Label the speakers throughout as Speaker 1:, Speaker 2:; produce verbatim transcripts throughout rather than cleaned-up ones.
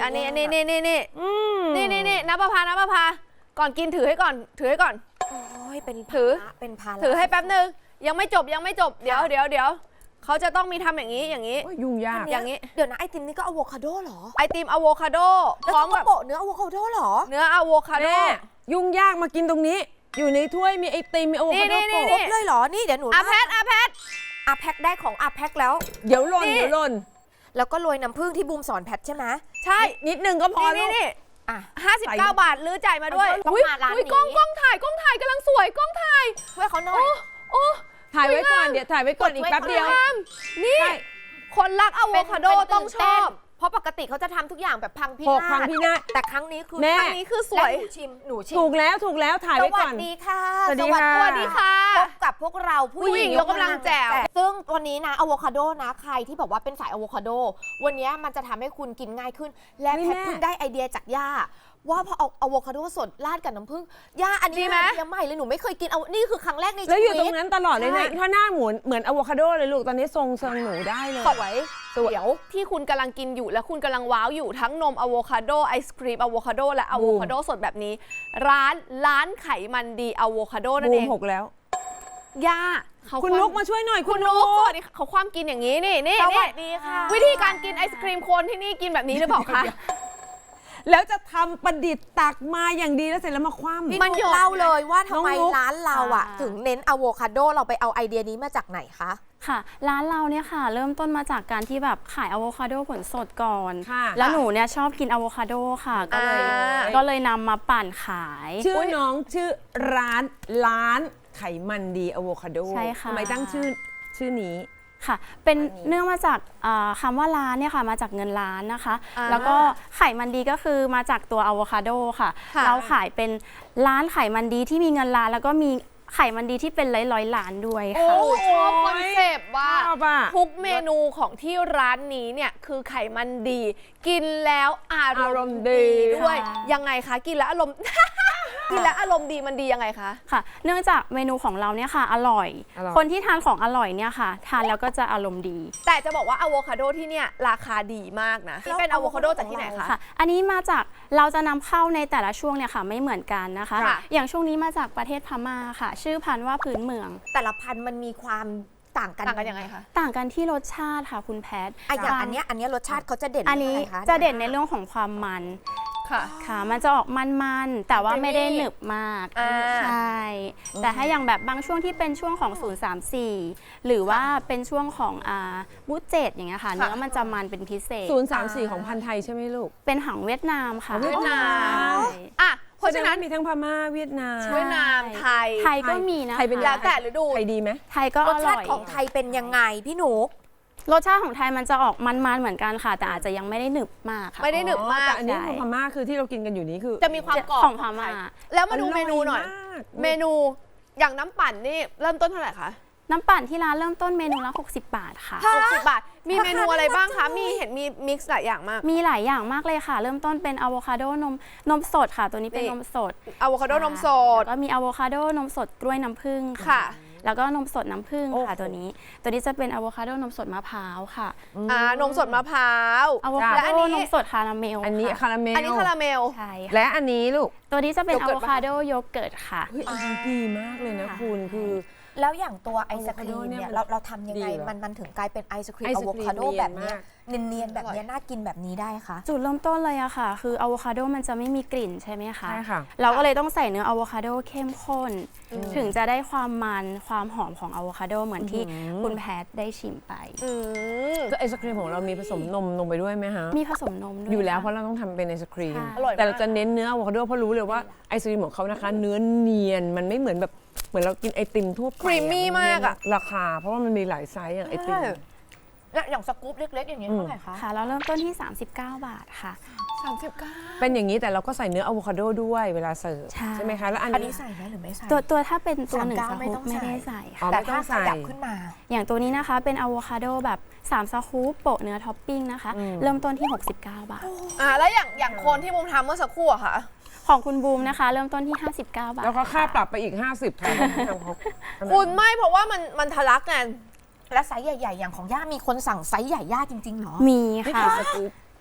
Speaker 1: อันนี้อันนี้นี่นี่นี่นี่นี่นี่น้ำประพาน้ำประพาก่อนกินถือให้ก่อนถือให้ก่อน
Speaker 2: โอ้ยเป็น
Speaker 1: ถือ
Speaker 2: เป็นภาระ
Speaker 1: ถือให้แป๊บนึงยังไม่จบยังไม่จบเดี๋ยวเดี๋ยวเดี๋ยวเขาจะต้องมีทำอย่างนี้อย่างนี้
Speaker 3: ยุ่งยาก
Speaker 1: อย่างนี้
Speaker 2: เดี๋ยวนะไอติมนี่ก็อะโวคาโดเหรอ
Speaker 1: ไอติมอะโวคาโด
Speaker 2: พร้อมกับโปะเนื้ออะโวคาโดเหรอ
Speaker 1: เนื้ออะโวคาโด
Speaker 3: ยุ่งยากมากินตรงนี้อยู่ในถ้วยมีไอติมมีอะโวคาโดโปะ
Speaker 2: ครบเลยเหรอนี่เดี๋ยวหนู
Speaker 1: อาแพทอาแพท
Speaker 2: อาแพ็คได้ของอาแพ็คแล้ว
Speaker 3: เดี๋ยวหล่นเดี๋ยวหล่น
Speaker 2: แล้วก็โรยน้ำผึ้งที่บูมสอนแพทใช่ไหม
Speaker 1: ใช่
Speaker 3: นิดนึงก็พอ
Speaker 1: นี่นี่
Speaker 2: อ่ะ
Speaker 1: ห้าสิบเก้าบาทลื้อจ่ายมาด้วย
Speaker 2: ต้องมาร้านนี้
Speaker 1: กล้องกล้องถ่ายกล้องถ่ายกำลังสวยกล้องถ่าย
Speaker 2: ช่วยเขาหน่อย
Speaker 1: โอ้
Speaker 3: ถ่ายไว้ก่อนเดี๋ยวถ่ายไว้ก่อนอีกแป๊บเดียว
Speaker 1: นี่คนรักอะโวคาโดต้องชอบ
Speaker 2: เพราะปกติเขาจะทำทุกอย่างแบบพังพิ
Speaker 3: นาศพังพินาศ
Speaker 2: แต่ครั้งนี้คือ
Speaker 1: ครั้งนี้คือสวย
Speaker 2: หนูชิมหนูชิม
Speaker 3: ถูกแล้วถูกแล้วถ่ายไว้ก่อน
Speaker 2: สวัสดีค่ะ
Speaker 3: สวัสดีค่ะ
Speaker 1: สวัสดีค่ะ
Speaker 2: พบกับพวกเราผู้หญิง
Speaker 1: ยกกำลังแจ๋ว
Speaker 2: ซึ่งวันนี้นะอะโวคาโดนะใครที่บอกว่าเป็นสายอะโวคาโดวันนี้มันจะทำให้คุณกินง่ายขึ้นและแพทเพิ่งได้ไอเดียจากย่าว่าพอเอาอะโวคาโดสดราดกับน้ำผึ้งย่าอันนี้ไอเดียใหม่เลยหนูไม่เคยกินเอานี่คือครั้งแรกในชีวิต
Speaker 3: แล้วอยู่ตรงนั้นตลอดเลยนะถ้าหน้าหมุนเหมือนอะโวคาโดเลยลูกตอนนี้ทรงเซิงหนูได้เลย
Speaker 1: สวยเดี๋ยวที่คุณกำลังกินอยู่และคุณกำลังว้าวอยู่ทั้งนมอะโวคาโดไอศครีมอะโวคาโดและอะโวคาโดสดแบบนี้ร้านร้านไขมันดีอะโวคาโดนั่นเอง
Speaker 3: หกแล้ว
Speaker 1: ย่า
Speaker 3: คุณนุกมาช่วยหน่อย
Speaker 1: คุณนุกสวัสดีเขาความกินอย่างนี้นี่นี่
Speaker 2: สวัสดีค่ะ
Speaker 1: วิธีการกินไอศครีมโคนที่นี่กินแบบนี้หรือเปล่าคะ
Speaker 3: แล้วจะทำประดิษฐ์ตักมาอย่างดีแล้วเสร็จแล้วมาคว่ำ
Speaker 2: มันเล่าเลยว่าทำไมร้านเราอ่ะถึงเน้นอะโวคาโดเราไปเอาไอเดียนี้มาจากไหนคะ
Speaker 4: ค่ะร้านเราเนี่ยค่ะเริ่มต้นมาจากการที่แบบขายอะโวคาโดผลสดก่อน
Speaker 3: ค่ะ
Speaker 4: แล้วหนูเนี่ยชอบกินอะโวคาโดค่ะก็เลยก็เลยนำมาปั่นขาย
Speaker 3: ชื่อน้องชื่อร้านร้านไขมันดีอะโวคาโด
Speaker 4: ใช่ค่ะ
Speaker 3: ทำไมตั้งชื่อชื่อนี้
Speaker 4: ค่ะเป็นเนื่องมาจากคำว่าร้านเนี่ยค่ะมาจากเงินล้านนะคะแล้วก็ไขมันดีก็คือมาจากตัวอะโวคาโดค่ะเราขายเป็นร้านไขมันดีที่มีเงินล้านแล้วก็มีไขมันดีที่เป็นร้อยร้อยล้านด้วยค่ะ
Speaker 1: โอ้ชอบคอนเซปต์ว่าทุกเมนูของที่ร้านนี้เนี่ยคือไขมันดีกินแล้วอารมณ์ดีด้วยยังไงคะกินแล้วอารมณ์กินแล้วอารมณ์ดีมันดียังไงคะ
Speaker 4: ค่ะเนื่องจากเมนูของเราเนี่ยค่ะอร่อยคนที่ทานของอร่อยเนี่ยค่ะทานแล้วก็จะอารมณ์ดี
Speaker 1: แต่จะบอกว่าอะโวคาโดที่เนี่ยราคาดีมากนะนี่เป็นอะโวคาโดจากที่ไหนคะ
Speaker 4: อันนี้มาจากเราจะนำเข้าในแต่ละช่วงเนี่ยค่ะไม่เหมือนกันนะคะอย่างช่วงนี้มาจากประเทศพม่าค่ะชื่อพันธุ์ว่าพื้นเมือง
Speaker 2: แต่ละพันธุ์มันมีความต่างกัน
Speaker 1: ต่างกันยังไงคะ
Speaker 4: ต่างกันที่รสชาติค่ะคุณแพทย์
Speaker 2: อย่างอันนี้อันนี้รสชาติเขาจะเด่น
Speaker 4: อันนี้จะเด่นในเรื่องของความมันค่ะค่ะมันจะออกมันๆแต่ว่าไม่ได้หนึบมากใช่แต่ถ้าอย่างแบบบางช่วงที่เป็นช่วงของศูนย์ สาม สี่หรือว่าเป็นช่วงของอ่าบูเจตอย่างเงี้ยค่ะเนื้อมันจะมันเป็นพิเศษ
Speaker 3: ศูนย์ สาม สี่ของพันธุ์ไทยใช่ไหมลูก
Speaker 4: เป็นหางเวียดนามค่ะ
Speaker 1: เวียดนามอ่ะเพราะฉะนั้น
Speaker 3: มีทั้งพม่าเวียดนาม
Speaker 1: เวียดนามไทย
Speaker 4: ไทยก็มีนะ
Speaker 3: ไทยเป็น
Speaker 1: แล้วแต่ฤดู
Speaker 3: ไทยดีไหม
Speaker 4: ไทยก็อร่อยรส
Speaker 2: ชาติของไทยเป็นยังไงพี่หนู
Speaker 4: รสชาติของไทยมันจะออกมันๆเหมือนกันค่ะแต่อาจจะยังไม่ได้หนึบมากค่ะ
Speaker 1: ไม่ได้หนึบมาก
Speaker 3: แต่อันนี้ของพม่าคือที่เรากินกันอยู่นี้คือ
Speaker 1: จะมีความกรอบ
Speaker 4: ของพม่า
Speaker 1: แล้วมาดูเมนูหน่อยเมนูอย่างน้ำปั่นนี่เริ่มต้นเท่าไหร่คะ
Speaker 4: น้ำปั่นที่ร้านเริ่มต้นเมนูละหกสิบบาทค่ะ
Speaker 1: หกสิบบาทมีเมนูอะไรบ้างคะมีเห็นมีมิกซ์หลายอย่างมาก
Speaker 4: มีหลายอย่างมากเลยค่ะเริ่มต้นเป็นอะโวคาโดนมนมสดค่ะตัวนี้เป็นนมสด
Speaker 1: อะโวคาโดนมสด
Speaker 4: แล้วก็มีอะโวคาโดนมสดกล้วยน้ำผึ้ง
Speaker 1: ค่ะ
Speaker 4: แล้วก็นมสดน้ำผึ้งค่ะตัวนี้ตัวนี้จะเป็นอะโวคาโดนมสดมะพร้าวค่ะ
Speaker 1: อ่านมสดมะพร้าว
Speaker 4: อะโวคาโดนมสดคาราเมล
Speaker 3: อันนี้คาราเมล
Speaker 1: อันนี้คาราเมล
Speaker 4: ใช่
Speaker 3: และอันนี้ลูก
Speaker 4: ตัวนี้จะเป็นอะโวคาโดโยเกิร์ตค่ะ
Speaker 3: อันนี้ดีมากเลยนะคุณคือ
Speaker 2: แล้วอย่างตัวไอศครีมเนี่ยเราเราทำยังไงมันมันถึงกลายเป็นไอศครีมอะโวคาโดแบบนี้เนียนๆแบบนี้น่ากินแบบนี้ได้คะ
Speaker 4: จุดเริ่มต้นเลยอะค่ะคืออะโวคาโดมันจะไม่มีกลิ่นใช่ไหมคะ
Speaker 3: ใช่ค่ะ
Speaker 4: เราก็เลยต้องใส่เนื้ออะโวคาโดเข้มข้นถึงจะได้ความมันความหอมของอะโวคาโดเหมือนที่คุณแพทได้ชิมไป
Speaker 3: ก็ไอศครีมของเรามีผสมนมลงไปด้วยไหมคะ
Speaker 4: มีผสมนมด้วย
Speaker 3: อยู่แล้วเพราะเราต้องทำเป็นไอศครีมแต่เราจะเน้นเนื้ออะโวคาโดเพราะรู้เลยว่าไอศครีมของเขานะคะเนื้อเนียนมันไม่เหมือนแบบเหมือนเรากินไอติมทั่วไป
Speaker 1: ครีมมี่มากอะ
Speaker 3: ราคาเพราะว่ามันมีหลายไซส์อย่างไอติม
Speaker 2: และอย่างสกู๊ปเล็กๆอย่างนี้เท่าไหร่คะ
Speaker 4: ค่ะเราเริ่มต้นที่สามสิบเก้าบาทค่ะ
Speaker 1: สามสิบเก้า
Speaker 3: เป็นอย่างนี้แต่เราก็ใส่เนื้ออะโวคาโดด้วยเวลาเสิร์ฟใช่ไหมคะแล้ว
Speaker 2: อันนี้ใส่ไหมหรือไม่ใส่
Speaker 4: ตัวตัวถ้าเป็นตัวหนึ่งสกู๊ปไม่ได้ใส่ค่ะ
Speaker 2: แต่ถ้าขยับขึ้นมา
Speaker 4: อย่างตัวนี้นะคะเป็นอะโวคาโดแบบสามสกู๊ปโปะเนื้อท็อปปิ้งนะคะเริ่มต้นที่หกสิบเก้าบาท
Speaker 1: อ่าแล้วอย่างอย่างคนที่มุมทำเมื่อสักครู่อะค่ะ
Speaker 4: ของคุณบูมนะคะเริ่มต้นที่ห้าสิบเก้าบาท
Speaker 3: แล้วก็ค่าปรับไปอีกห้าสิบค่ะ
Speaker 1: คุณไม่เพราะว่ามันมันทะลักไง
Speaker 2: และไซส์ใหญ่ๆอย่างของย่ามีคนสั่งไซส์ใหญ่ย่าจริงๆหรอ
Speaker 4: มีค่ะ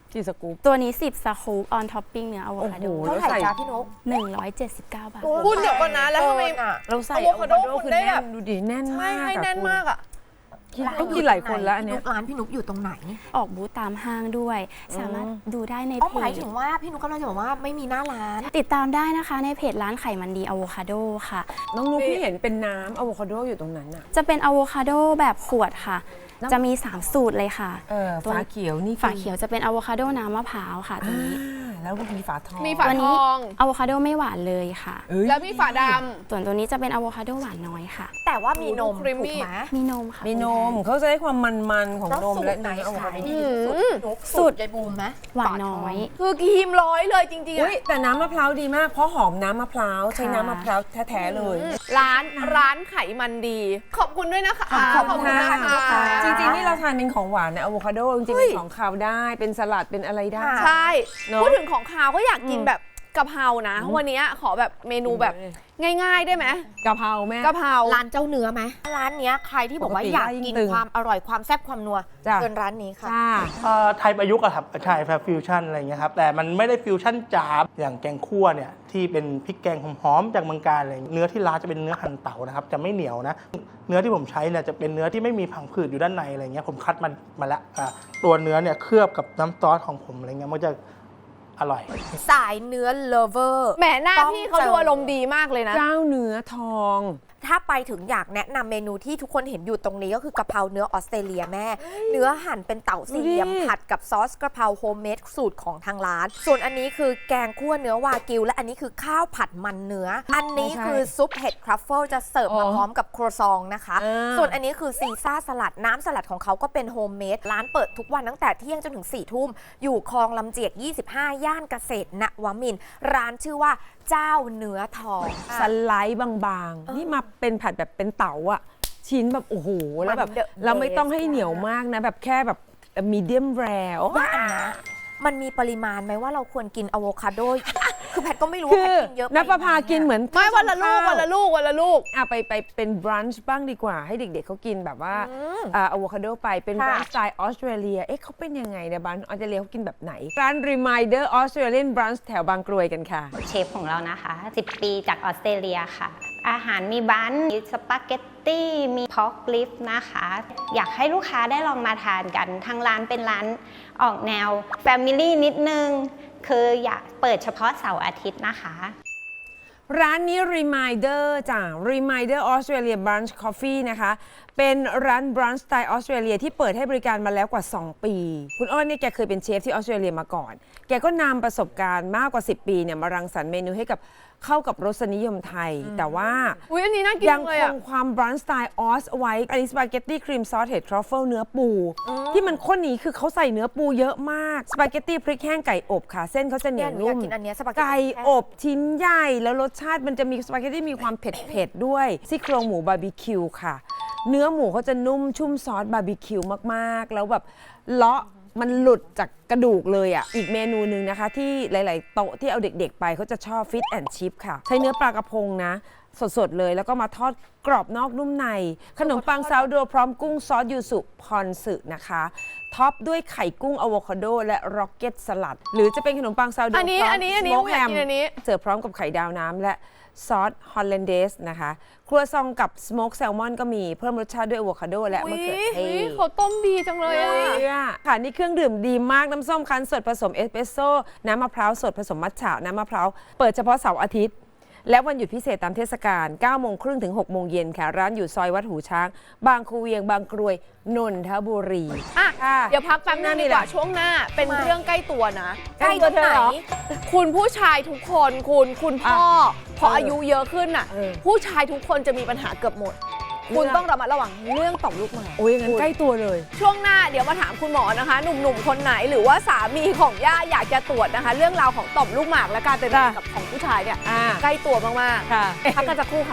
Speaker 3: กี่สกู๊ป
Speaker 4: ตัวนี้สิบสกู๊ปออนท็อปปิ้งเนื้ออะโวคาโด
Speaker 3: โอ้โห
Speaker 2: เท่าไหร่จ้าพี่นก
Speaker 4: หนึ่งร้อยเจ็ดสิบเก้าบาท
Speaker 1: คุณเดี๋ยวก่อนนะแล้วทำไม
Speaker 2: อ่ะ
Speaker 3: เราใส่
Speaker 1: อะโวคาโด
Speaker 3: อะโว
Speaker 1: คุณ
Speaker 3: คือ
Speaker 1: ได้
Speaker 3: แน่
Speaker 1: แบ
Speaker 3: น
Speaker 1: บ
Speaker 3: ดูดิแน่น
Speaker 1: ใช่
Speaker 3: มาก
Speaker 1: ให้แน่นมากอ่ะ
Speaker 3: กินต้องกินหลายคนแล้วอันเนี้ย
Speaker 2: ร้านพี่นุกอยู่ตรงไหน
Speaker 4: ออกบูธตามห้างด้วย สามารถดูได้ใน
Speaker 2: อ๋อ
Speaker 4: เพ
Speaker 2: หมาย
Speaker 4: จ
Speaker 2: ถึงว่าพี่นุกกำลังจะบอกว่าไม่มีหน้าร้าน
Speaker 4: ติดตามได้นะคะในเพจร้านไขมันดีอะโวคาโดค่ะ
Speaker 3: น้องนุ๊กพี่เห็นเป็นน้ำอะโวคาโดอยู่ตรงนั้นอ่ะ
Speaker 4: จะเป็นอะโวคาโดแบบขวดค่ะ จะมี สาม สูตรเลยค่ะ
Speaker 3: เออ
Speaker 4: ตัว
Speaker 3: ฝาเขียวนี่คือ
Speaker 4: ฝาเขียวจะเป็นอะโวคาโดน้ำมะพร้าวค่ะตัวนี้
Speaker 3: อ่าแล้วก็มีฝาทอง
Speaker 1: มีฝา
Speaker 4: ตัว
Speaker 1: ท
Speaker 4: นี้
Speaker 1: อง
Speaker 4: อะโวคาโดไม่หวานเลยค่ะ
Speaker 3: เอ้ย
Speaker 1: แล้วมีฝาด
Speaker 4: ส่วนตัวนี้จะเป็นอะโวคาโดหวานน้อยค่ะ
Speaker 2: แต่ว่ามีนม
Speaker 1: ครีมมี่
Speaker 2: ถูกไหม
Speaker 4: มีนมค่ะ
Speaker 3: มีนมเขาจะได้ความมันๆของนมและ
Speaker 2: ไหน
Speaker 3: เนื้ออะโว
Speaker 2: ขา
Speaker 3: คาย โด
Speaker 2: ดีที่สุดพี่นุกสูตรยายบูมไหม
Speaker 4: หวานน้อย
Speaker 1: ำคือครีมร้อยเลยจริงๆ
Speaker 3: อุ้
Speaker 1: อะ
Speaker 3: ยแต่น้ำมะพร้าวดีมากเพราะหอมน้ำมะพร้าวใช้น้ำมะพร้าวแท้ๆเลย
Speaker 1: ร้านร้านไขมันดี ขอบคุณด้วยนะคะ
Speaker 3: ขอบคุณ
Speaker 1: นะ
Speaker 3: ค่ะ
Speaker 1: คะ
Speaker 3: จริงๆนี่เราทานเป็นของหวานนะอะโวคาโดจริงๆเป็นของคาวได้เป็นสลัดเป็นอะไรได้
Speaker 1: ใช่
Speaker 3: เนอะ
Speaker 1: พูดถึงของคาวก็อยากกินแบบกะเพรานะ วันนี้ขอแบบเมนูแบบง่ายๆได้ไหม
Speaker 3: กะเพราแม่
Speaker 1: กะเพรา
Speaker 2: ร้านเจ้าเนื้อไหมร้านเนี้ยใครที่บอกว่า
Speaker 3: ปกติ
Speaker 2: อยาก
Speaker 3: ได้ยิ่ง
Speaker 2: กิน
Speaker 3: ตึง
Speaker 2: ความอร่อยความแซ่บความนัว
Speaker 3: จ้ะ
Speaker 2: เชิญร้านนี้ค่ะ
Speaker 3: จ้า
Speaker 5: ไทยประยุกต์อะครับใช่แบบฟิวชั่นอะไรเงี้ยครับแต่มันไม่ได้ฟิวชั่นจ๋าอย่างแกงคั่วเนี่ยที่เป็นพริกแกงหอมๆจากเมืองการอะไรเนื้อที่ร้านจะเป็นเนื้อหั่นเต่านะครับจะไม่เหนียวนะเนื้อที่ผมใช้เนี่ยจะเป็นเนื้อที่ไม่มีผังผืดอยู่ด้านในอะไรเงี้ยผมคัดมันมาแล้วอ่ะตัวเนื้อเนี่ยเคลือบกับน้ำซอสของผมอะไรเงี้ยมันจะอร่อย
Speaker 2: สายเนื้อเลเวอร์
Speaker 1: แหมหน้า
Speaker 2: ต้อง
Speaker 1: พี่เขา
Speaker 2: เจอ
Speaker 1: ดูอารมณ์ดีมากเลยนะ
Speaker 3: เจ้าเนื้อทอง
Speaker 2: ถ้าไปถึงอยากแนะนำเมนูที่ทุกคนเห็นอยู่ตรงนี้ก็คือกะเพราเนื้อออสเตรเลียแม่ เนื้อหั่นเป็นเต่าสี่เหลี่ยม
Speaker 3: ดูดิ
Speaker 2: ผัดกับซอสกระเพราโฮมเมดสูตรของทางร้าน ส่วนอันนี้คือแกงคั่วเนื้อวากิว และอันนี้คือข้าวผัดมันเนื้อ อันนี้คือซุปเห็ดทรัฟเฟิลจะเสิร์ฟมาพร้อมกับครัวซองนะคะ
Speaker 3: อ่า
Speaker 2: ส่วนอันนี้คือซีซ่าสลัดน้ำสลัดของเขาก็เป็นโฮมเมดร้านเปิดทุกวันตั้งแต่เที่ยงจนถึงสี่ทุ่มอยู่คลองลำเจียกยี่สิบห้าย่านเกษตรนวมินทร์ร้านชื่อว่าเจ้าเนื้อทอง
Speaker 3: สไลด์บางๆ นี่มาเป็นผัดแบบเป็นเต๋าอะชิ้นแบบโอ้โหแล้วแบบ
Speaker 2: มัน the
Speaker 3: เราไม่ต้องให้
Speaker 2: best
Speaker 3: เหนียวมากนะ แบบแค่แบบมีเดียมแรร์
Speaker 2: ว่าอันนะมันมีปริมาณไหมว่าเราควรกินอะโวคาโด คือแพทก็ไม่รู้
Speaker 3: คื
Speaker 2: ว่า
Speaker 3: อ
Speaker 2: แพทกินเยอะไป
Speaker 3: นับประพากินเหมือน
Speaker 1: ไม่วันละลูก
Speaker 3: ข้าว
Speaker 1: วันละลูกวันละลูก
Speaker 3: อ่ะไปไปเป็นบรันช์บ้างดีกว่า ให้เด็กๆเขากินแบบว่าอ่าอะโวคาโดไปเป็นบรันช์สไตล์ออสเตรเลียเอ๊ะเขาเป็นยังไงเนี่ยบรันช์ออสเตรเลียเขากินแบบไหน ร้าน Reminder Australian Brunch แถวบางกรวยกันค่ะ
Speaker 6: เชฟของเรานะคะสิบปีจากออสเตรเลียค่ะ อาหารมีบันมีสปาเกตตี้ มีพอกลิฟนะคะ อยากให้ลูกค้าได้ลองมาทานกัน ทางร้านเป็นร้านออกแนว Family นิดนึง คืออยากเปิดเฉพาะเสาร์อาทิตย์นะคะ
Speaker 3: ร้านนี้ Reminder จ้ะ Reminder Australia Brunch Coffee นะคะ เป็นร้าน brunch สไตล์ออสเตรเลียที่เปิดให้บริการมาแล้วกว่า สอง ปี คุณอ้อนเนี่ยแกเคยเป็นเชฟที่ออสเตรเลียมาก่อน แกก็นำประสบการณ์มากกว่า สิบ ปีเนี่ยมารังสรรค์เมนูให้กับเข้ากับรสนิยมไทย แต่ว่า
Speaker 1: อุ้ยอันนี้น่ากิน
Speaker 3: ยัง
Speaker 1: เลย
Speaker 3: ค
Speaker 1: อะ
Speaker 3: งความบรันช์สไตล์ออสเอาไว้ อันนี้สปาเกตตี้ครีมซอสเห็ดทรัฟเฟิลเนื้อปู ที่มันข้นนี้คือเขาใส่เนื้อปูเยอะมาก สปาเกตตี้พริกแห้งไก่อบค่ะ เส้นเขาจะเหนี
Speaker 2: เนี่ย
Speaker 3: ยว
Speaker 2: หนูอยา
Speaker 3: นุ่
Speaker 2: ก
Speaker 3: ม
Speaker 2: กินอันเนี้ยสปาเกตตี้
Speaker 3: ไก่อบชิ้นใหญ่ แล้วรสชาติมันจะมีสปาเกตตี้มีความเผ็ดๆด้วยซี่โครงหมูบาร์บีคิวค่ะ เนื้อหมูเขาจะนุ่มชุ่มซอสบาร์บีคิวมากๆ แล้วแบบเลาะมันหลุดจากกระดูกเลยอ่ะ อีกเมนูหนึ่งนะคะ ที่หลาย ๆ โต๊ะที่เอาเด็ก ๆ ไปเขาจะชอบฟิตแอนด์ชิพค่ะ ใช้เนื้อปลากระพงนะ สด ๆ เลยแล้วก็มาทอดกรอบนอกนุ่มใน ขนมปังซาวโดพร้อมกุ้งซอสยูสุพรสึนะคะท็อปด้วยไข่กุ้งอะโวคาโดและร็อกเก็ตสลัด หรือจะเป็นขนมปังซาวโด
Speaker 1: อันนี้
Speaker 3: พร้ม
Speaker 1: อันนี้อันนี้
Speaker 3: สโมก
Speaker 1: อยากกินอันนี้
Speaker 3: เสิร์ฟพร้อมกับไข่ดาวน้ำและซอสฮอลแลนเดสนะคะ ครัวซองกับสโมกแซลมอนก็มีเพิ่มรสชาติด้วยอะโวคาโดและมะเขือเท
Speaker 1: อุ๊ย
Speaker 3: ศ
Speaker 1: เขาต้มดีจังเลยอะ
Speaker 3: เนี่ยค่ะนี่เครื่องดื่มดีมากน้ำส้มคั้นสดผสมเอสเปรสโซ่น้ำมะพร้าวสดผสมมัทฉะน้ำมะพร้าวเปิดเฉพาะเสาร์อาทิตย์ และวันหยุดพิเศษตามเทศกาลเก้าโมงครึ่งถึงหกโมงเย็นค่ะ ร้านอยู่ซอยวัดหูช้าง บางคูเวียงบางกรวยนนทบุรี
Speaker 1: อ่ะ
Speaker 3: ค่ะ
Speaker 1: เดี๋ยวพักแป๊บนึงดีกว่าช่วงหน้า เป็นเรื่องใกล้ตัวนะ
Speaker 2: ใกล้ตรงไหน
Speaker 1: คุณผู้ชายทุกคนคุณคุณพ่อพอ
Speaker 3: เออ
Speaker 1: อายุเยอะขึ้นน่ะ
Speaker 3: เออ
Speaker 1: ผู้ชายทุกคนจะมีปัญหาเกือบหมด คุณต้องระมัดระวังเรื่องต่อมลูกหมาก
Speaker 3: โอ้ยงั้นใกล้ตัวเลย
Speaker 1: ช่วงหน้าเดี๋ยวมาถามคุณหมอนะคะ หนุ่มๆคนไหนหรือว่าสามีของย่าอยากจะตรวจนะคะ เรื่องราวของต่อมลูกหมากและการเป็นมะเร็งกับของผู้ชายเนี่ย
Speaker 3: อ่า
Speaker 1: ใกล้ตัวมาก
Speaker 3: ค่ะ
Speaker 1: ๆพักกันสักครู่ค่ะ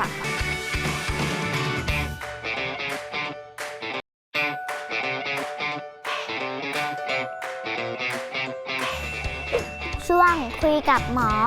Speaker 7: ช่วงคุยกับหมอ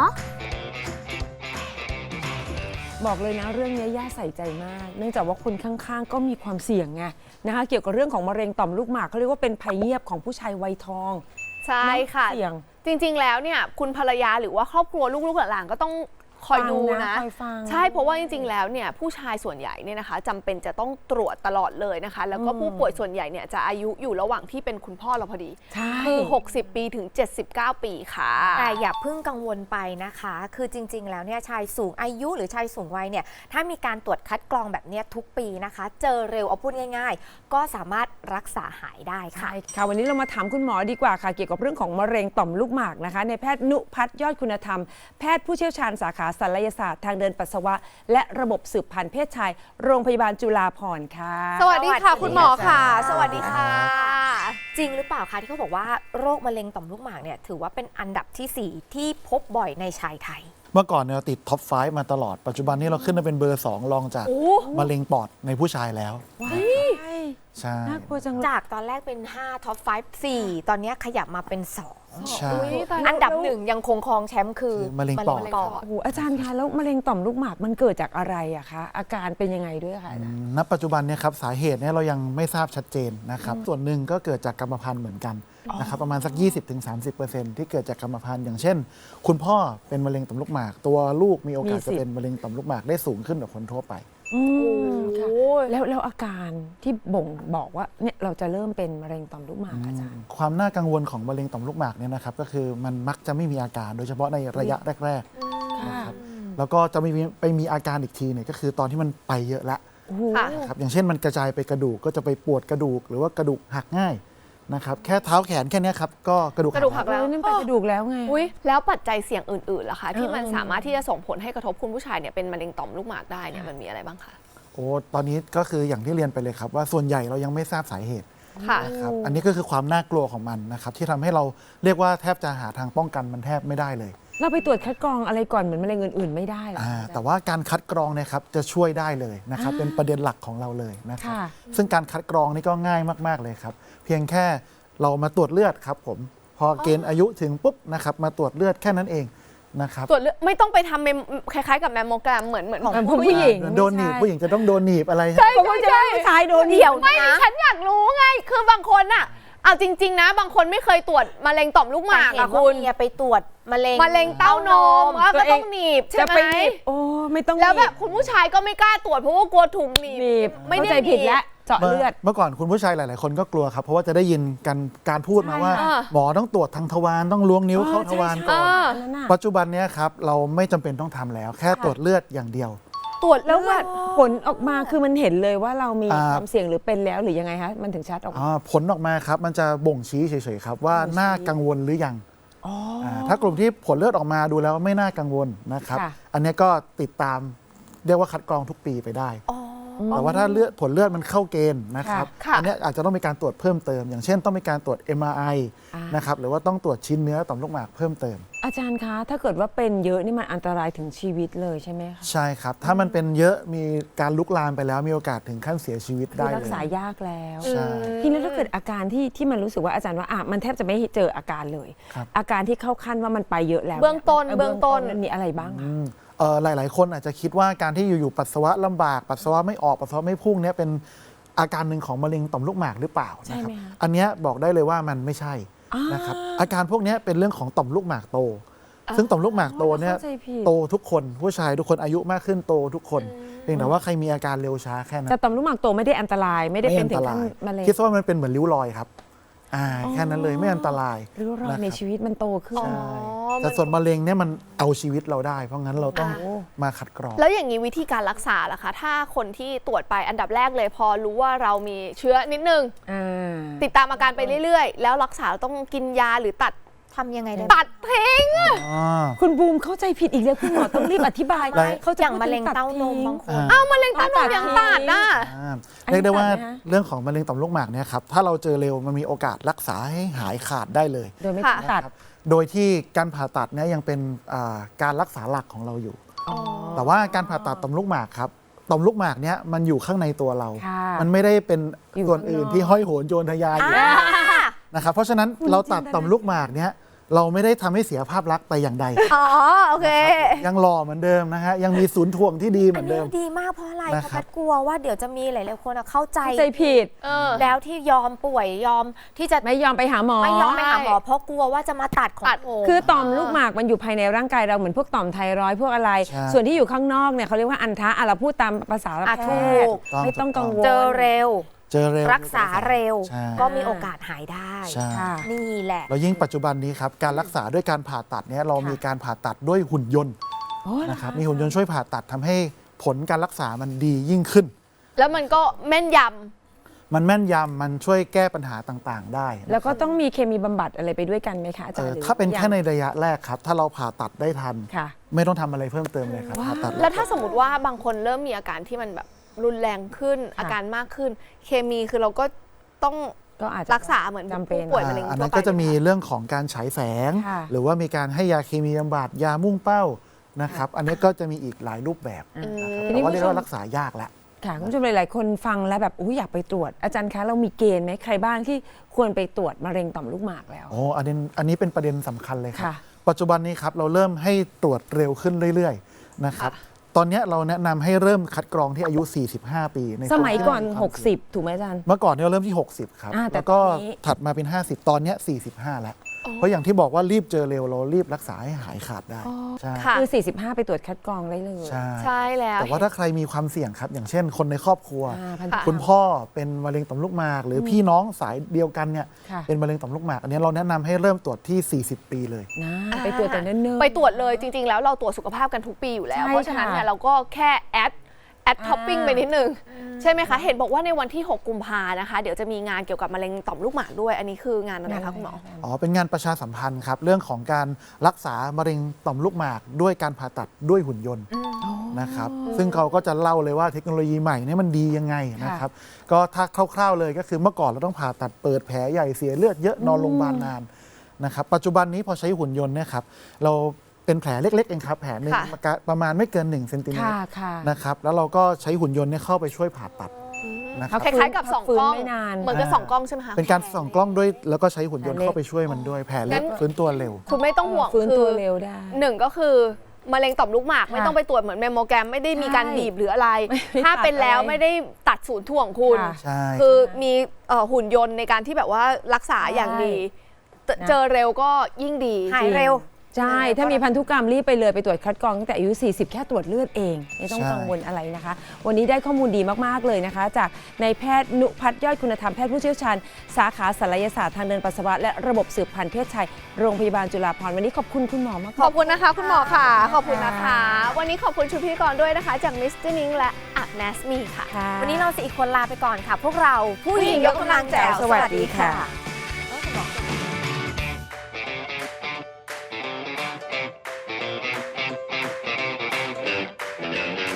Speaker 3: บอกเลยนะเรื่องนี้ย่าใส่ใจมาก เนื่องจากว่าคนข้างๆ ก็มีความเสี่ยงไงนะคะเกี่ยวกับเรื่องของมะเร็งต่อมลูกหมากเขาเรียกว่าเป็นภัยเงียบของผู้ชายวัยทอง
Speaker 1: ใช่ค่ะ
Speaker 3: เสี่ยง
Speaker 1: จริงๆแล้วเนี่ยคุณภรรยาหรือว่าครอบครัวลูกๆหลานๆก็ต้องคอยดู
Speaker 3: ฟัง
Speaker 1: นะ
Speaker 3: คอยฟัง
Speaker 1: ใช่เพราะว่าจริงๆแล้วเนี่ยผู้ชายส่วนใหญ่เนี่ยนะคะจำเป็นจะต้องตรวจตลอดเลยนะคะ แล้วก็ผู้ป่วยส่วนใหญ่เนี่ยจะอายุอยู่ระหว่างที่เป็นคุณพ่อเราพอดี
Speaker 3: ใช่
Speaker 1: คือหกสิบปีถึงเจ็ดสิบเก้าปีค่ะ
Speaker 2: แต่อย่าเพิ่งกังวลไปนะคะ คือจริง ๆ แล้วเนี่ยชายสูงอายุหรือชายสูงวัยเนี่ยถ้ามีการตรวจคัดกรองแบบเนี้ยทุกปีนะคะ เจอเร็วเอาพูดง่าย ๆ ก็สามารถรักษาหายได้ค่ะ
Speaker 3: ใช่ค่ะวันนี้เรามาถามคุณหมอดีกว่าค่ะเกี่ยวกับเรื่องของมะเร็งต่อมลูกหมากนะคะในแพทย์นุพัฒน์ยอดคุณธรรมแพทย์ผู้เชี่ยวชาญสาขาศัลยศาสตร์ทางเดินปัสสาวะ และระบบสืบพันธุ์เพศชายโรงพยาบาลจุฬาภรณ์ค่ะ
Speaker 1: สวัสดีค่ะ คุณหมอค่ะ
Speaker 2: ส
Speaker 1: ส
Speaker 2: วั
Speaker 1: วั
Speaker 2: ส
Speaker 1: ส
Speaker 2: ดี
Speaker 1: ดี
Speaker 2: ค่ะ
Speaker 1: ค่ะ
Speaker 2: จริงหรือเปล่าคะที่เขาบอกว่าโรคมะเร็งต่อมลูกหมากเนี่ยถือว่าเป็นอันดับที่สี่ที่พบบ่อยในชายไทย
Speaker 8: เมื่อก่อนเนี่ยเราติดท็อปไฟว์มาตลอด ปัจจุบันนี้เราขึ้นมาเป็นเบอร์สองรองจากมะเร็งปอดในผู้ชายแล้ว
Speaker 3: ว้าย
Speaker 8: ใช่
Speaker 3: น่ากลัวจังเลย
Speaker 2: จากตอนแรกเป็นห้าท็อปไฟว์ สี่ตอนนี้ขยับมาเป็นสอง
Speaker 8: ใช่
Speaker 2: อันดับหนึ่งยังคงครองแชมป์คือ
Speaker 8: คือมะเร็งปอด
Speaker 2: ปอด
Speaker 3: โอ้โหอาจารย์คะแล้วมะเร็งต่อมลูกหมากมันเกิดจากอะไรอะคะอาการเป็นยังไงด้วยคะอาจารย์
Speaker 8: ณปัจจุบันเนี่ยครับสาเหตุเนี่ยเรายังไม่ทราบชัดเจนนะครับ ส่วนหนึ่งก็เกิดจากกรรมพันธุ์เหมือนกันนะครับประมาณสัก ยี่สิบถึงสามสิบเปอร์เซ็นต์ ที่เกิดจากกรรมพันธุ์อย่างเช่น คุณพ่อเป็นมะเร็งต่อมลูกหมาก ตัวลูกมีโอกาส
Speaker 3: มีสิทธิ์
Speaker 8: จะเป็นมะเร็งต่อมลูกหมากได้สูงขึ้นกว่าคนทั่วไป
Speaker 3: อืมค่ะแล้วแล้วอาการที่บ่งบอกว่าเนี่ยเราจะเริ่มเป็นมะเร็งต่อมลูกหมากอาจารย์
Speaker 8: ความน่ากังวลของมะเร็งต่อมลูกหมากเนี่ยนะครับก็คือมันมักจะไม่มีอาการโดยเฉพาะในระยะแรกๆนะครับแล้วก็จะไม่มีไปมีอาการอีกทีเนี่ยก็คือตอนที่มันไปเยอะละ
Speaker 1: ค่ะ
Speaker 8: นะครับอย่างเช่นมันกระจายไปกระดูกก็จะไปปวดกระดูกหรือว่ากระดูกหักง่ายนะครับแค่เท้าแขนแค่เนี้ยครับก็กระดูก
Speaker 1: กระดูกหัก
Speaker 8: แล้
Speaker 1: แล้ว ว
Speaker 3: นั่นเป็นกระดูกแล้วไง
Speaker 1: อุ้ยแล้วปัจจัยเสี่ยงอื่นๆล่ะคะที่มัน
Speaker 3: เออ
Speaker 1: สามารถที่จะส่งผลให้กระทบคุณผู้ชายเนี่ยเป็นมะเร็งต่อมลูกหมากได้เนี่ยมันมีอะไรบ้างคะ
Speaker 8: โอ้ตอนนี้ก็คืออย่างที่เรียนไปเลยครับว่าส่วนใหญ่เรายังไม่ทราบสาเหตุ
Speaker 1: ค่ะ
Speaker 8: นะครับอันนี้ก็คือความน่ากลัวของมันนะครับที่ทำให้เราเรียกว่าแทบจะหาทางป้องกันมันแทบไม่ได้เลย
Speaker 3: เราไปตรวจคัดกรองอะไรก่อนเหมือนมะเร็งอื่นๆไม่ได้เหรอ
Speaker 8: อ่า
Speaker 3: อาจารย์
Speaker 8: แต่ว่าการคัดกรองเนะครับจะช่วยได้เลยนะครับเป็นประเด็นหลักของเราเลยนะครับ
Speaker 3: ค่ะ
Speaker 8: ซึ่งการคัดกรองนี่ก็ง่ายมากๆเลยครับเพียงแค่เรามาตรวจเลือดครับผมพอเกณฑ์อายุถึงปุ๊บนะครับมาตรวจเลือดแค่นั้นเองนะครับ
Speaker 1: ตรวจเลือดไม่ต้องไปทำเมมคล้ายๆกับแมมโมแกรมเหมือนเหมือนของ
Speaker 3: ของผู้หญิง
Speaker 8: โดนหนีบผู้หญิงจะต้องโดนหนีบอะไร
Speaker 1: ใช่
Speaker 3: เพราะว่าจะได้ผู้ชายโดน
Speaker 2: เดี๋ยว
Speaker 1: ไม่
Speaker 2: นะ
Speaker 1: ฉันอยากรู้ไง คือบางคนอะเอาจริง ๆ นะ บางคนไม่เคยตรวจมะเร็งต่อมลูกหมาก
Speaker 2: แต่เห็น
Speaker 1: อะ
Speaker 2: ว่า
Speaker 1: คุณ
Speaker 2: เมียไปตรวจมะเร็ง
Speaker 1: มะเร็งเต้านมอ่ะก็ต้องหนีบใช่
Speaker 3: จะ
Speaker 1: ไห
Speaker 3: ไป
Speaker 1: ม
Speaker 3: หนีบโอ้ไม่ต้อง
Speaker 1: แล้วแบบ
Speaker 3: หนี
Speaker 1: คุณผู้ชายก็ไม่กล้าตรวจเพราะว่ากลัวถุงหนีบ
Speaker 3: หนีบ
Speaker 1: ไม่ได้
Speaker 3: เข้าใจผิดแล้วเจาะ
Speaker 8: เมื่อ
Speaker 3: เลือด
Speaker 8: เมื่อก่อนคุณผู้ชายหลาย ๆ คนก็กลัวครับ เพราะว่าจะได้ยินกันการพูดมาว่า
Speaker 1: ใช่ค่ะ
Speaker 8: หมอต้องตรวจทางทวารต้องล้วงนิ้วเข้าทวารก่อน
Speaker 1: อ่า
Speaker 3: นั่นน่ะ
Speaker 8: ปัจจุบันเนี้ยครับเราไม่จำเป็นต้องทำแล้ว แค่ตรวจเลือดอย่างเดียว
Speaker 1: ตรวจ
Speaker 3: แล้ว
Speaker 1: เลือด
Speaker 3: ผลออกมาคือมันเห็นเลยว่าเรามี
Speaker 8: อ่า
Speaker 3: ความเสี่ยงหรือเป็นแล้วหรือยังไงคะมันถึงชัดออกมา
Speaker 8: อ่าผลออกมาครับมันจะบ่งชี้เฉย ๆ ครับว่า
Speaker 3: บ่งชี้
Speaker 8: น่ากังวลหรือยัง
Speaker 3: อ๋ออ
Speaker 8: าถ้ากลุ่มที่ผลเลือดออกมาดูแล้วไม่น่ากังวลนะครับ
Speaker 3: ค่ะ
Speaker 8: อันเนี้ยก็ติดตามเรียกว่าคัดกรองทุกปีไปได้ แต่ว่าถ้าเลือดผลเลือดมันเข้าเกณฑ์นะครับ
Speaker 1: ค่ะ
Speaker 8: อันเนี้ยอาจจะต้องมีการตรวจเพิ่มเติม อย่างเช่นต้องมีการตรวจ เอ็ม อาร์ ไอ
Speaker 3: อ่าน
Speaker 8: นะครับหรือว่าต้องตรวจชิ้นเนื้อต่อมลูกหมากเพิ่มเติม
Speaker 3: อาจารย์คะถ้าเกิดว่าเป็นเยอะนี่มันอันตรายถึงชีวิตเลยใช่ไหมคะ
Speaker 8: ใช่ครับ ถ้ามันเป็นเยอะมีการลุกลามไปแล้วมีโอกาสถึงขั้นเสียชีวิต
Speaker 3: คือ
Speaker 8: ได้
Speaker 3: รั
Speaker 8: เล
Speaker 3: ก
Speaker 8: ย
Speaker 3: ษายากแล้ว
Speaker 8: ใช่
Speaker 3: ทีนี้ถ้าเกิดอาการที่ที่มันรู้สึกว่าอาจารย์ว่าอ่ะมันแทบจะไม่เจออาการเลย
Speaker 8: ครับ
Speaker 3: อาการที่เข้าขั้นว่ามันไปเยอะแล้ว
Speaker 1: เบื้องต้น
Speaker 3: ย
Speaker 1: เบื้องต้น
Speaker 3: มันมีอะไรบ้างคะ
Speaker 8: อืมเอ่อหลาย ๆ คนอาจจะคิดว่าการที่อยู่ ๆ ปัสสาวะลำบาก ปัสสาวะไม่ออก ปัสสาวะไม่พุ่งเนี่ยเป็นอาการหนึ่งของมะเร็งต่อมลูกหมากหรือเปล่า
Speaker 3: ใช่
Speaker 8: นะครับ
Speaker 3: ไหมคะ
Speaker 8: อันเนี้ยบอกได้เลยว่ามันไม่ใช่
Speaker 3: อ่าน
Speaker 8: นะครับอาการพวกเนี้ยเป็นเรื่องของต่อมลูกหมากโต ซึ่งต่อมลูกหมากโตเนี่ย
Speaker 3: เข้าใจผิด
Speaker 8: โตทุกคนผู้ชายทุกคนอายุมากขึ้นโตทุกคนเพียงแต่ว่าใครมีอาการเร็วช้าแค่นั้น
Speaker 3: แต่ต่อมลูกหมากโตไม่ได้อันตรายไม่ได้เป็นถึง
Speaker 8: อั
Speaker 3: ขั้นมะเร็ง
Speaker 8: คิดว่ามันเป็นเหมือนริ้วรอยครับอ่าแค่นั้นเลยไม่อันตราย
Speaker 3: ริ้วรอย
Speaker 8: นะ
Speaker 3: ใน
Speaker 8: ครับ
Speaker 3: ชีวิตมันโตขึ้น
Speaker 8: ใช่
Speaker 1: มั
Speaker 8: แต่
Speaker 1: น
Speaker 8: ส่วนมะเร็งเนี่ยมันเอาชีวิตเราได้ เพราะงั้นเราต้อง
Speaker 3: อ่า
Speaker 8: มาขัดกรอง
Speaker 1: แล้วอย่างนี้วิธีการรักษาล่ะคะ ถ้าคนที่ตรวจไปอันดับแรกเลยพอรู้ว่าเรามีเชื้อนิดนึง
Speaker 3: อ่า
Speaker 1: ติดตามอาการไปเรื่อยๆ แล้วรักษาเราต้องกินยาหรือตัด
Speaker 2: ทำยังไงได้
Speaker 1: ตัดทิ้ง
Speaker 8: อ่า
Speaker 3: คุณบูมเข้าใจผิดอีกแล้วคุณหมอต้องรีบอธิบาย
Speaker 8: ไม่
Speaker 3: เขา
Speaker 2: อ
Speaker 3: จะ
Speaker 2: ย่างมะเร็งเต้านมบางคน
Speaker 8: อ่า
Speaker 1: เอ้ามะเร็งเต้านมยังตัดอ่ะ
Speaker 8: อ่า
Speaker 3: อันนี้
Speaker 8: เรียกได้ว่า
Speaker 3: ตัดไหมฮะ
Speaker 8: เรื่องของมะเร็งต่อมลูกหมากเนี่ยครับถ้าเราเจอเร็วมันมีโอกาสรักษาให้หายขาดได้เลย
Speaker 3: โดยไม่
Speaker 1: ค่ะ
Speaker 3: ต้องตัด
Speaker 8: นะครับโดยที่การผ่าตัดเนี่ยยังเป็นอ่าการรักษาหลักของเราอยู่ แต่ว่าการผ่าตัดต่อมลูกหมากครับต่อมลูกหมากเนี่ยมันอยู่ข้างในตัวเรา
Speaker 3: ค่ะ
Speaker 8: มันไม่ได้เป็น
Speaker 3: อยู่
Speaker 8: ส่วนอื่น
Speaker 3: ข้างนอก
Speaker 8: ที่ห้อยโหนโยนทะยานอยู่นะครับเพราะฉะนั้นเราตัดต่อมลูกหมากเนี่ยเราไม่ได้ทำให้เสียภาพลักษณ์ไปอย่างใด
Speaker 1: อ๋อโอเค
Speaker 8: ยังหล่อเหมือนเดิมนะฮะยังมีศูนย์ถ่วงที่ดีเห
Speaker 2: อั
Speaker 8: มื
Speaker 2: น
Speaker 8: อน
Speaker 2: นี้
Speaker 8: เดิม
Speaker 2: ดีมากเพราะอะไร
Speaker 8: นะ
Speaker 2: เพราะ
Speaker 8: ครั
Speaker 2: แพ
Speaker 8: บ
Speaker 2: ทย์กลัวว่าเดี๋ยวจะมีหลายๆคนอะเข้าใจ
Speaker 3: เข้าใจผิด
Speaker 1: เออ
Speaker 2: แล้วที่ยอมป่วยยอมที่จะ
Speaker 3: ไม่ยอมไปหาหมอ
Speaker 2: ไม่ยอมไปหาหมอเพราะกลัวว่าจะมาตัดของ
Speaker 1: ตัด
Speaker 2: โอ้
Speaker 3: คือต่อมลูกหมากมันอยู่ภายในร่างกายเราเหมือนพวกต่อมไทรอยด์พวกอะไร
Speaker 8: ใช่
Speaker 3: ส่วนที่อยู่ข้างนอกเนี่ยเขาเรียกว่าอันทะอ่ะเราพูดตามภาษาแพ
Speaker 2: อ่ะ
Speaker 3: ท
Speaker 2: ถู
Speaker 3: ย์
Speaker 2: ก
Speaker 3: ไม่ต้องกังวล
Speaker 2: เจอเร็ว
Speaker 8: เจอเร็ว
Speaker 2: รักษาเร็ว
Speaker 8: ใช่
Speaker 2: ก็มีโอกาสหายได้
Speaker 8: ใช่
Speaker 3: ค่ะ
Speaker 2: นี่แหละ
Speaker 8: แล้วยิ่งปัจจุบันนี้ครับการรักษาด้วยการผ่าตัดเนี่ยเรามีการผ่าตัดด้วยหุ่นยนต์
Speaker 3: โอ้เหรอ
Speaker 8: นะครับมีหุ่นยนต์ช่วยผ่าตัดทำให้ผลการรักษามันดียิ่งขึ้น
Speaker 1: แล้วมันก็แม่นย
Speaker 8: มันแม่นยำมันช่วยแก้ปัญหาต่างๆ ได้นะ
Speaker 3: แล้วก็ต้องมีเคมีบำบัดอะไรไปด้วยกันไหมคะอา
Speaker 8: เอ
Speaker 3: จาร
Speaker 8: อ
Speaker 3: ย์หรือ
Speaker 8: ถ้าเป็น
Speaker 3: ยัง
Speaker 8: แค่ในระยะแรกครับ ถ้าเราผ่าตัดได้ทัน
Speaker 3: ค่ะ
Speaker 8: ไม่ต้องทำอะไรเพิ่มเติมเลยครับผ่าตัด
Speaker 1: ำแล้วถ้าสมมติว่าบางคนเริ่มมีอาการที่มันแบบรุนแรงขึ้น อาการมากขึ้น เคมีคือเราก็ต้อง
Speaker 3: ก็อาจจะ
Speaker 1: รักษาเหมือน
Speaker 3: จำเป็น
Speaker 1: ผู้ป่วยมะเร็ง
Speaker 8: อัน
Speaker 1: ทั่
Speaker 8: นั้
Speaker 1: วน ไป
Speaker 8: ก็จะมีเรื่องของการฉายแสง
Speaker 3: ค่ะ
Speaker 8: หรือว่ามีการให้ยาเคมีบำบัดยามุ่งเป้านะครับ อันนี้ก็จะมีอีกหลายรูปแบบนะครับ
Speaker 3: ทีนี้
Speaker 8: แต่ว่าเรียก
Speaker 3: คุณผู้ชม
Speaker 8: ว่ารักษายากแล้ว
Speaker 3: ค่ะคุณผู้ชมหลายๆคนฟังแล้วแบบอุ้ยอยากไปตรวจอาจารย์คะเรามีเกณฑ์ไหมใครบ้างที่ควรไปตรวจมะเร็งต่อมลูกหมากแล้ว
Speaker 8: โอ้อันนี้อันนี้เป็นประเด็นสำคัญเลยครับ
Speaker 3: ค่ะ
Speaker 8: ปัจจุบันนี้ครับเราเริ่มให้ตรวจเร็วขึ้นเรื่อยๆนะครับตอนนี้เราแนะนำให้เริ่มคัดกรองที่อายุ สี่สิบห้า ปีใน
Speaker 3: สมัยก่อน
Speaker 8: คนที่มีความเสี่ยง
Speaker 3: หกสิบ ถูกไหมอาจารย์
Speaker 8: เมื่อก่อนเนี่ยเราเริ่มที่ หกสิบ ครับ
Speaker 3: อ่าแต่
Speaker 8: แล้วก็
Speaker 3: ตอนนี้
Speaker 8: ถัดมาเป็น ห้าสิบ ตอนเนี้ยสี่สิบห้า แล้ว เพราะอย่างที่บอกว่ารีบเจอเร็วเรารีบรักษาให้หายขาดได้ใช่
Speaker 1: ค่ะ
Speaker 3: คือ สี่สิบห้า ไปตรวจคัดกรองได้เลย
Speaker 8: ใช่
Speaker 1: ใช่แล้ว
Speaker 8: แต่ว่าถ้าใครมีความเสี่ยงครับ อย่างเช่น คนในครอบครัว
Speaker 3: อ่าพัน
Speaker 8: คุณพ่อเป็นมะเร็งต่อมลูกหมาก หรือพี่น้องสายเดียวกันเนี่ย
Speaker 3: ค่ะ
Speaker 8: เป็นมะเร็งต่อมลูกหมาก อันนี้เราแนะนำให้เริ่มตรวจที่ สี่สิบ ปีเลย
Speaker 3: นะไปตรวจแต่เนิ่นๆ
Speaker 1: ไปตรวจเลยจริง ๆ แล้วเราตรวจสุขภาพกันทุกปีอยู่แล้ว
Speaker 3: ใช่
Speaker 1: เพราะฉะนั้นเนี่ย
Speaker 3: ค่ะ
Speaker 1: เราก็แค่แอดแอด
Speaker 3: อ่า
Speaker 1: ท็อปปิ้งไปนิดนึง ใช่ไหมคะ เห็นบอกว่าในวันที่ หก กุมภานะคะ เดี๋ยวจะมีงานเกี่ยวกับมะเร็งต่อมลูกหมากด้วย อันนี้คืองานอะไรคะคุณหมอ
Speaker 8: อ๋อ เป็นงานประชาสัมพันธ์ครับ เรื่องของการรักษามะเร็งต่อมลูกหมากด้วยการผ่าตัดด้วยหุ่นยนต์นะครับ ซึ่งเขาก็จะเล่าเลยว่าเทคโนโลยีใหม่เนี่ยมันดียังไงนะครับ ก็ถ้าคร่าวๆเลยก็คือเมื่อก่อนเราต้องผ่าตัดเปิดแผลใหญ่เสียเลือดเยอะนอนโรงพยาบาลนานนะครับ ปัจจุบันนี้พอใช้หุ่นยนต์เนี่ยครับ เราเป็นแผลเล็กๆเองครับ แผลหนึ่ง
Speaker 1: ค่ะ
Speaker 8: ประมาณไม่เกิน1เซนติเมต
Speaker 3: ค่ะ
Speaker 8: ร
Speaker 3: ค่ะ
Speaker 8: นะครับ แล้วเราก็ใช้หุ่นยนต์เนี่ยเข้าไปช่วยผ่าตัดนะครับ
Speaker 1: คล้ายๆกับสอง
Speaker 3: ฟื้น
Speaker 1: กล้อง
Speaker 3: ไม่นาน
Speaker 1: เหมือนกับสองกล้องใช่ไหมคะ
Speaker 8: เป็นการส่องกล้องด้วยแล้วก็ใช้หุ่นยนต์
Speaker 3: แผลเล็ก
Speaker 8: เข้าไปช่วยมันด้วย แผลเล็ก
Speaker 1: งั้น
Speaker 8: ฟื้นตัวเร็ว
Speaker 1: คุณไม่ต้องห่วง
Speaker 3: ฟื้น
Speaker 1: คื
Speaker 3: ตัว
Speaker 1: อ
Speaker 3: เร็วได้
Speaker 1: หนึ่งก็คือมะเร็งต่อมลูกหมาก ไม่ต้องไปตรวจเหมือนแมมโมแกรมไม่ได้มีการ
Speaker 3: ใช่
Speaker 1: บีบหรืออะไร
Speaker 3: ไม่
Speaker 1: ถ้าเป็นแล้ว
Speaker 3: ตัดอะไร
Speaker 1: ไม่ได้ตัดศูนย์ถ่วงคุณ
Speaker 3: ค่ะ
Speaker 8: ใช่
Speaker 1: คือมีเอ่อหุ่นยนต์ในการที่แบบว่ารักษาอย่างดีเจอ
Speaker 3: นะ
Speaker 1: เจอเร็วก็ยิ่งดี
Speaker 2: หายเร็ว
Speaker 3: ใช่ ถ้ามีพันธุกรรมรีบไปเลยไปตรวจคัดกรองตั้งแต่อายุ สี่สิบ แค่ตรวจเลือดเอง ไม่ต้อง
Speaker 8: ใช่
Speaker 3: กังวลอะไรนะคะ วันนี้ได้ข้อมูลดีมาก ๆ เลยนะคะ จากนายแพทย์นุพัฒน์ยอดคุณธรรมแพทย์ผู้เชี่ยวชาญ สาขาศัลยศาสตร์ทางเดินปัสสาวะและระบบสืบพันธุ์เพศชายโรงพยาบาลจุฬาภรณ์วันนี้ขอบคุณคุณหมอมาก
Speaker 1: ขอบคุณนะคะ คุณหมอค่ะ ขอบคุณนะคะ วันนี้ขอบคุณชุดพิธีกรด้วยนะคะ จากมิสเตอร์นิงและอักเนสมีค่ะ
Speaker 3: ค่ะ
Speaker 2: วันนี้เราสี่คนลาไปก่อนค่ะ พวกเราผู้หญิงยกกำลังแจ๋ว
Speaker 3: สวัสดีค่ะ
Speaker 2: สวัสดีค่ะ